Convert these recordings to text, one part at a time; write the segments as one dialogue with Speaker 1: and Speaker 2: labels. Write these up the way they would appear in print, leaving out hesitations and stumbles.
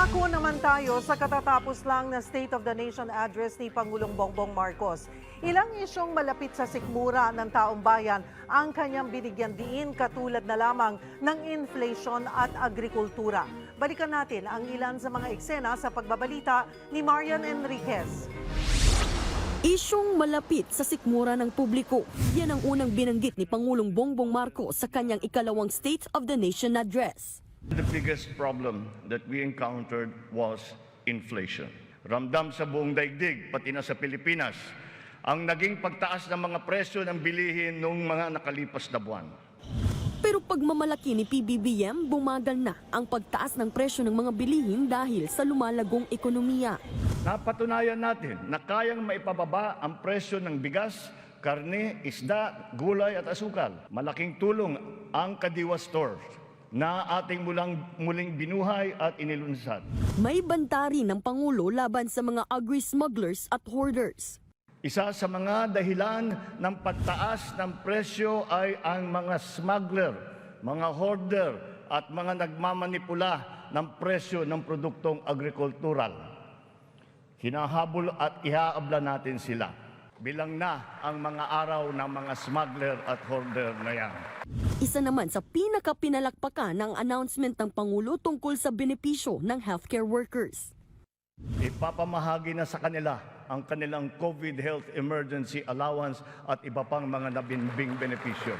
Speaker 1: Pangako naman tayo sa katatapos lang na State of the Nation address ni Pangulong Bongbong Marcos. Ilang isyong malapit sa sikmura ng taong bayan ang kanyang binigyan diin katulad na lamang ng inflation at agrikultura. Balikan natin ang ilan sa mga eksena sa pagbabalita ni Marian Enriquez.
Speaker 2: Isyong malapit sa sikmura ng publiko. Yan ang unang binanggit ni Pangulong Bongbong Marcos sa kanyang ikalawang State of the Nation address.
Speaker 3: The biggest problem that we encountered was inflation. Ramdam sa buong daigdig, pati na sa Pilipinas, ang naging pagtaas ng mga presyo ng bilihin noong mga nakalipas na buwan.
Speaker 2: Pero pagmamalaki ni PBBM, bumagal na ang pagtaas ng presyo ng mga bilihin dahil sa lumalagong ekonomiya.
Speaker 3: Napatunayan natin na kayang maipababa ang presyo ng bigas, karne, isda, gulay at asukal. Malaking tulong ang Kadiwa Stores na ating muling binuhay at inilunsad.
Speaker 2: May banta rin ng Pangulo laban sa mga agri-smugglers at hoarders.
Speaker 3: Isa sa mga dahilan ng pagtaas ng presyo ay ang mga smuggler, mga hoarder at mga nagmamanipula ng presyo ng produktong agrikultural. Hinahabol at ihaabla natin sila. Bilang na ang mga araw ng mga smuggler at hoarder na yan.
Speaker 2: Isa naman sa pinakapinalakpakan ng announcement ng Pangulo tungkol sa benepisyo ng healthcare workers.
Speaker 3: Ipapamahagi na sa kanila ang kanilang COVID Health Emergency Allowance at iba pang mga nabinbing benepisyo.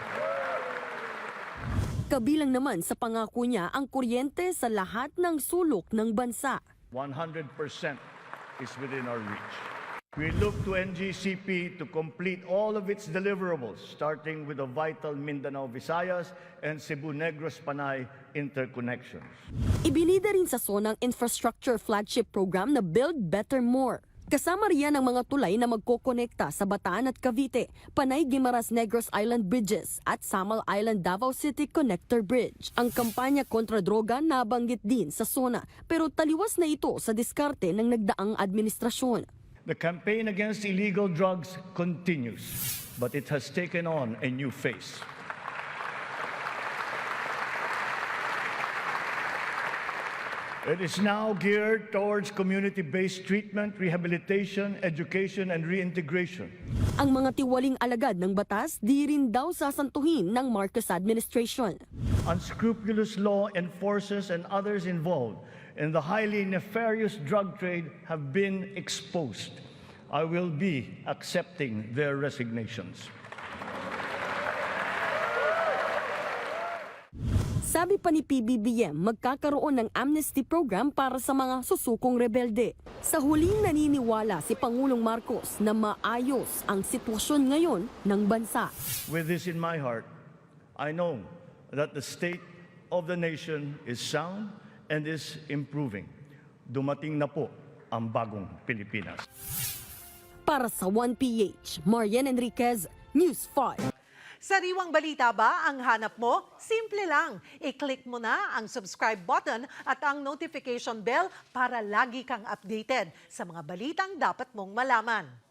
Speaker 2: Kabilang naman sa pangako niya ang kuryente sa lahat ng sulok ng bansa.
Speaker 3: 100% is within our reach. We look to NGCP to complete all of its deliverables, starting with the vital Mindanao-Visayas and Cebu-Negros-Panay interconnections.
Speaker 2: Ibinida rin sa SONA ang infrastructure flagship program na Build Better More. Kasama riyan ang mga tulay na magkokonekta sa Bataan at Cavite, Panay-Guimaras-Negros Island Bridges at Samal Island Davao City Connector Bridge. Ang kampanya kontra droga nabanggit din sa SONA pero taliwas na ito sa diskarte ng nagdaang administrasyon.
Speaker 3: The campaign against illegal drugs continues, but it has taken on a new face. It is now geared towards community-based treatment, rehabilitation, education, and reintegration.
Speaker 2: Ang mga tiwaling alagad ng batas di rin daw sasantuhin ng Marcos administration.
Speaker 3: Unscrupulous law enforcers and others involved in the highly nefarious drug trade have been exposed. I will be accepting their resignations.
Speaker 2: Sabi pa ni PBBM, magkakaroon ng amnesty program para sa mga susukong rebelde. Sa huling naniniwala si Pangulong Marcos na maayos ang sitwasyon ngayon ng bansa.
Speaker 3: With this in my heart, I know that the state of the nation is sound and is improving. Dumating na po ang bagong Pilipinas.
Speaker 2: Para sa 1PH, Marian Enriquez, News 5.
Speaker 1: Sariwang balita ba ang hanap mo? Simple lang. I-click mo na ang subscribe button at ang notification bell para lagi kang updated sa mga balitang dapat mong malaman.